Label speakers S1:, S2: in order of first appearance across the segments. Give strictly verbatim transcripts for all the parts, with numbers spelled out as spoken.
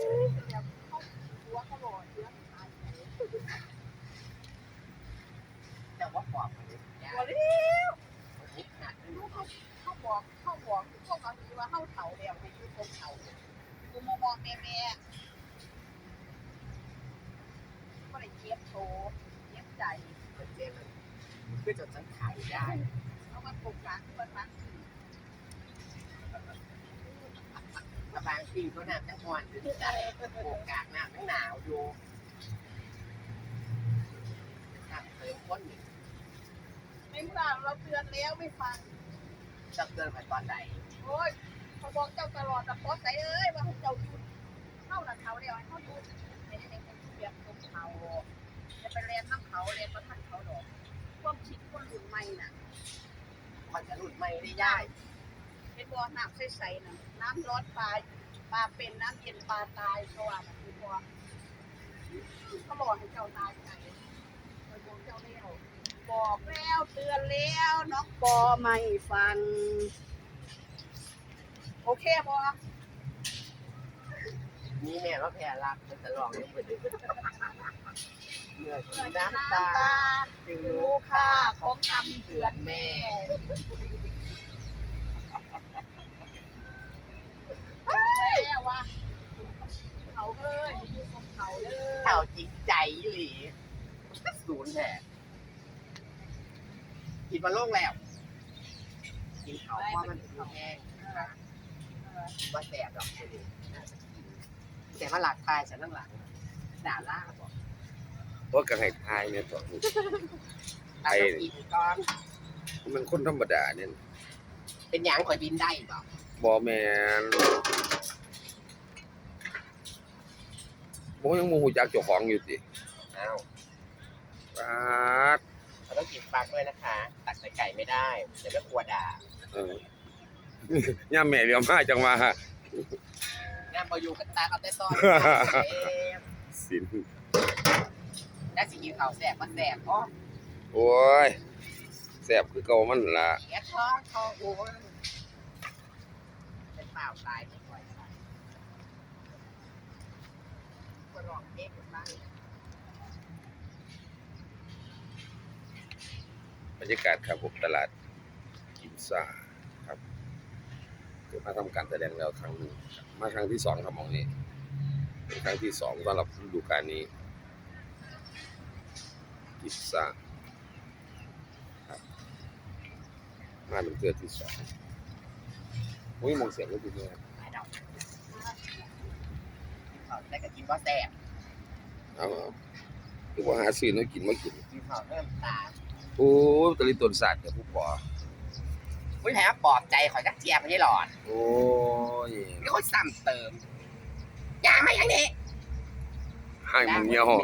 S1: แต่ว่าปอบมันยากนิดหนักเขาบอกเขาบอกพวกเขาถือว่าเขาเถาแล้วให้ยุติเถากูมามองแม่แม่ก็เลยเจี๊ยบโตเจี๊ยบใจเจี๊ยบเพื่อจะฉันขายได้เอามาปลูกกลางมันมันกระบางปีก็หนาวทั้งวันถึงใจปลูกกลางหนาวทั้งหนาวอยู่เติมก้นหนึ่งไม่ฟังเราเตือนแล้วไม่ฟังจะเตือนไปตอนไหนโอ้ยเขาบอกเจ้าตลอดแต่พอใจเอ้ยว่าเจ้าหยุดเข้าหลังเขาเดียวให้เขาหยุดไม่ได้เป็นเบียดตรงเขาจะไปเรียนน้ำเขาเรียนประทัดเขาหรอกความคิดคนรุ่นใหม่น่ะมันจะรุ่นใหม่ได้ยากเป็นบ่อน้ำใสๆน่ะน้ำร้อนปลาปลาเป็นน้ำเย็นปลาตายเขาว่ามันคือบ่อเขาบอกให้เจ้าตายใจเจ้าเลี้ยวบอกแล้วเตือนแล้วน้องปอไม่ฟังโอเคบอนี่แม่ว่าแพ้รักมันจะลองยังไงเมื่อกินน้ำตาจึงรู้ค่าของคำเตือนแม่เฮ้ยวะเขาเอ้ยเขาเอ้ยเขาจริงใจหลีศูนย์แท้กินมาโล่งแล้วกินเขาเพราะมันถึงแห้งว่าแสบหรอกเลยแต่ว่าหลักตายฉันนั่งหลังด่าล่าบอก
S2: ว่ากระให้ทายเนี่ยต่อ
S1: ไอ้กินก้อน
S2: มันคนธรรมดาเนี่ย
S1: เป็นอย่างข่อยบินได้บอก
S2: บอแมนผมยังโมโหจักเจ้าของอยู่สิ
S1: อ้าว
S2: ปาด
S1: เราต้องกินปลาด้วยนะคะตักใส่ไก่ไม่ได้เดี๋ยวไม่กลัวด่า
S2: เออย่าแม่เลี้ยวมาจังมา
S1: ย่าพออยู่กันตาเอาแต่ซ้อน
S2: สิน
S1: ได้สิกินข้าวแสบมันแสบอ๋อ
S2: โอ้ยแสบคือเก่ามันล่ะ
S1: แกท้องท้องโอ้ยเป็นเปล่าตายไม่ค่อยใช่ก็ลองเอ๊ะกันบ้าง
S2: บรรยากาศครับผมตลาดกินซ่าครับเกิดมาทำการแสดงแล้วครั้งหนึ่งมาครั้งที่สองครับมองนี้เป็นครั้งที่สองสำหรับฤดูกาลนี้กินซ่าครับมาเป็นเกิดที่สองโอ้ยมองเสียงก็ดีเลย
S1: ได้ก็กินว่าแสบ
S2: เอาคือว่าหาซื้อน้ำกินมากิน
S1: กินข้าวเริ่มตา
S2: โอ้ตะลิต้นสัตว์เนี่ยผู้ปอ
S1: ไม่แถมปลอบใจขอจักเจียไม่ได้หลอด
S2: โอ้ย
S1: นี่เขาซ้ำเติมยาไม่อย่างนี้
S2: ให้มึงเงี้ยว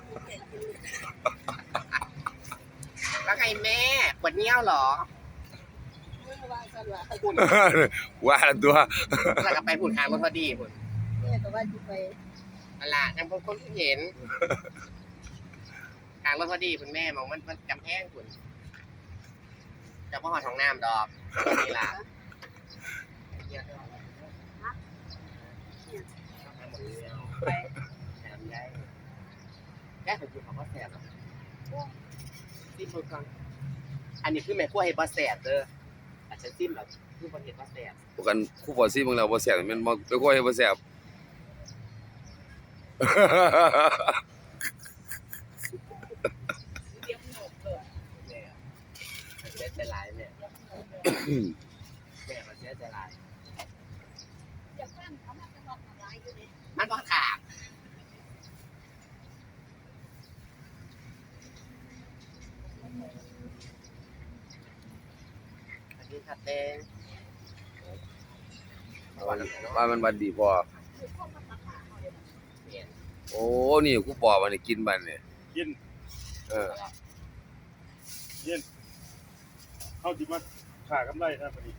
S1: แล้วไงแม่ปวดเงี้ยวหรอ
S2: ว่าตัว
S1: แล้วก็ไปผุดหางมันพอดีผุด
S3: แม่ก็ว่าจะไป
S1: อะไรยังพวกคนเห็นทางรถพอดีคุณแม่มองมันมันจำแห้งคุณจะพ่อหอดของน้ำดอกนี่ล่ะไปแถมได้แค่ถึงจุดของพ่อแสบซิมเบอร์ก่อนอันนี้คือแม่ขั้วเห็ดพ่อแสบเด้ออาจจะซิมแบบคือพ่อเห็ดพ่อแสบ
S2: พวกกันคู่พอซิมึงแล้วพ่อแสบมันมาไปขั้วเห็ดพ่อแสบ
S1: เสียใจหลายเนี่ยแม่มันเสียใจหลายมันก็ขาดอันนี้ขัดเอง
S2: ว่ามันบันดีพอโอ้นี่กูปอมันกินบันเนี่ย
S4: กิน
S2: เออ
S4: กินเข้าจิมาขากำไรนะพอดี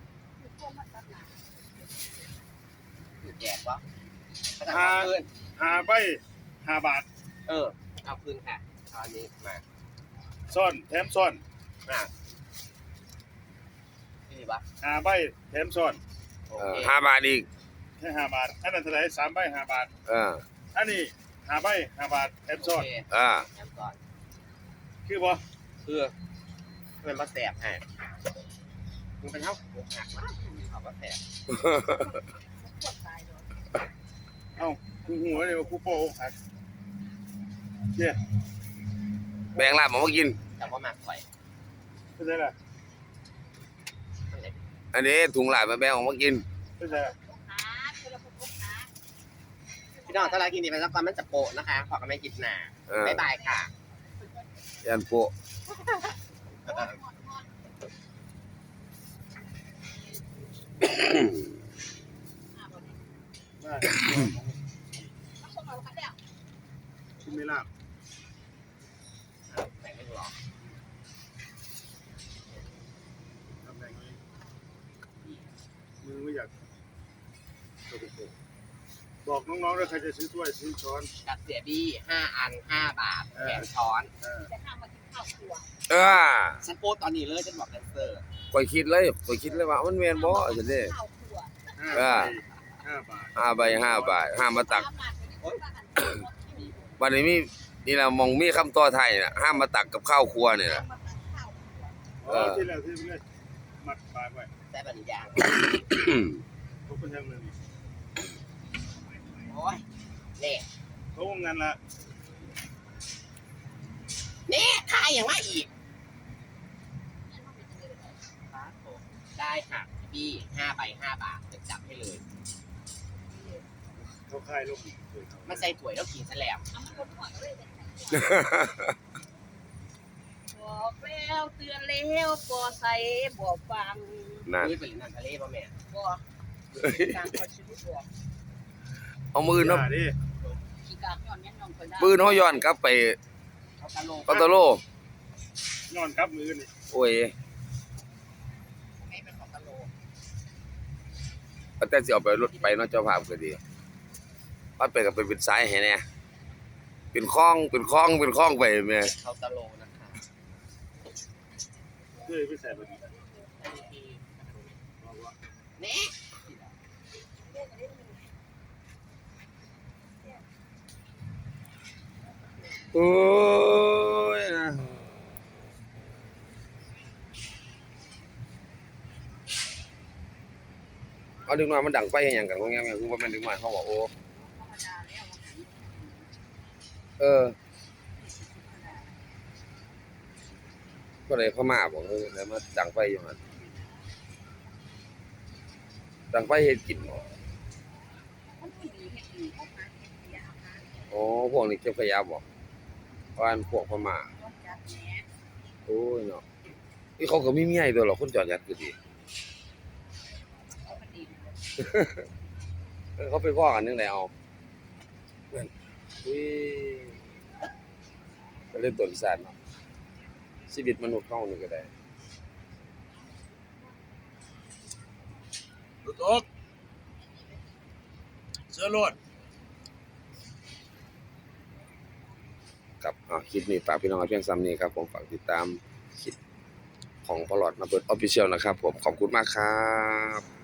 S1: แจกวะ
S4: หาหาใบหาบาท
S1: เออเอาคืนค่ะเอาอันนี้มา
S4: ซ่อนแถมซ่อน
S1: มานี่ปะ
S4: หาใบแถมซ่อน
S2: ห้าบาทอีก
S4: แค่ห้าบาทอันนั้นเท่าไหร่สามใบห้าบาท
S2: เออ
S4: อันนี้ห้าใบห้าบาทแถมซอส
S2: อ่า
S1: แอมก่อน
S4: คือบ่
S1: คือมันมาแสบให้มันเป็นเท่าหักมากเขาก็แสบ
S4: เอ้ากูหัวเลยว่ากูโป้อกหักเนี่ย
S2: แบ่งลาบหมอมากิน
S1: แต่ว่ามาข่อย
S4: เป็นไงล่ะ
S2: อันนี้ถุงลาบมาแบ่งออกมากิน
S4: เป็นไงล่ะ
S1: พี่น้องถ้าเรากินดีไปสักวันมันจะโปะนะคะขอกันไม่กินหนา
S2: เออ
S1: บ๊ายบายค่ะ
S2: ยันโปะ
S4: ได้คุณไม่ลาบ
S1: แต่ไม่หรอก
S4: ทำแรงเลยมึงไม่อยากบอกน้องๆด้วยใครจะซื้อถ้วยซื้อช้อน
S1: กับเสียบี้ห้าอันห้าบาทแถมช้อน
S4: เออ
S2: เออ
S1: ฉันโพสต์ตอนนี้เลยฉันบอกแดนเซอร์
S2: ข่อยคิดเลยข่อยคิดเลยว่ามันแม่นบ่จังซี่
S4: ห้าใบห้าบาท
S2: ห้าใบห้าบาทห้ามมาตักวันนี้มีนี่ล่ะมองมีคำต่อไทยน่ะห้ามมาตักกับข้าวครัวนี่ล่ะ
S4: อ๋อที่แล้วที่เลยมัดปลายไว้
S1: แต่บริยาง
S4: เขาเป็นยังไงนี่
S1: โอ้ยเน่
S4: เขาวงงานละ
S1: เน่ทายอย่างว่าอีกได้ค่ะบี้ห้าใบห้าบาทจะจับให้เลย
S4: เขาค่ายลงอีก
S1: มันใส่ถ้วยแล้วกินแสลบ
S3: บอกแล้วเตือนแล้วบ่ใส่บ่ฟัง
S2: นั่น
S1: นี่เป็นน้ำทะเลป่ะแม่
S3: บ่การคอยชีวิตบอก
S2: เอามือเนาะ
S4: ดิ
S3: ขี้กากย้อนยังน้องคนได้
S2: ปืนเฮาย้อนกลับไป
S1: เอาตะโล
S2: ปัตตาโล
S4: นอนกับมือนี่
S2: โอ้ย
S1: ให้เป็นของตะโล
S2: แต่สิเอาไปรถไปเนาะเจ้าภาพก็ดีว่าไปก็ไปเป็นสายให้แน่เป็นคลองเป็นคลองเป็นคลองไปแม่
S1: เขาตะโลนะคะ
S4: เพื่อไปใส่แบบนี้
S1: เน่
S2: โอ้ยนะเอาดึงมามันดังไปเฮ็ดหยังกันว่าแง่ๆคือว่ามันดึงมาเขาบอกโอ้เออก็เลยพม่าบอกเออแล้วมาดังไปอยู่หั่นดังไปเฮ็ดกินบ่
S3: มันผู้ดีเฮ็ดดีพวกหาเฮ็ดเสียหา
S2: อ๋อพวกนี้เก็บขยะบ่ว่าอันพวกพม่า
S3: รถจัดแหน่
S2: โอ้ยเนาะนี่เขาก็มีเมียอยู่ตัวหรอกคนจอดยัดก็ดี
S3: เอามันดี
S2: เออเขาไปพ้อกันนึงได้เอาเพื่อนอุ้ยก็เล่นตัวอีสานเนาะชีวิตมนุษย์เฮานี่ก็ได้
S4: รถออกเสื้อรถ
S2: ครับอ่าคลิปนี้ฝากพี่น้องไว้เพียงซ้ำนี้ครับผมฝากติดตามคลิปของพลอดมาเปิด Official นะครับผมขอบคุณมากครับ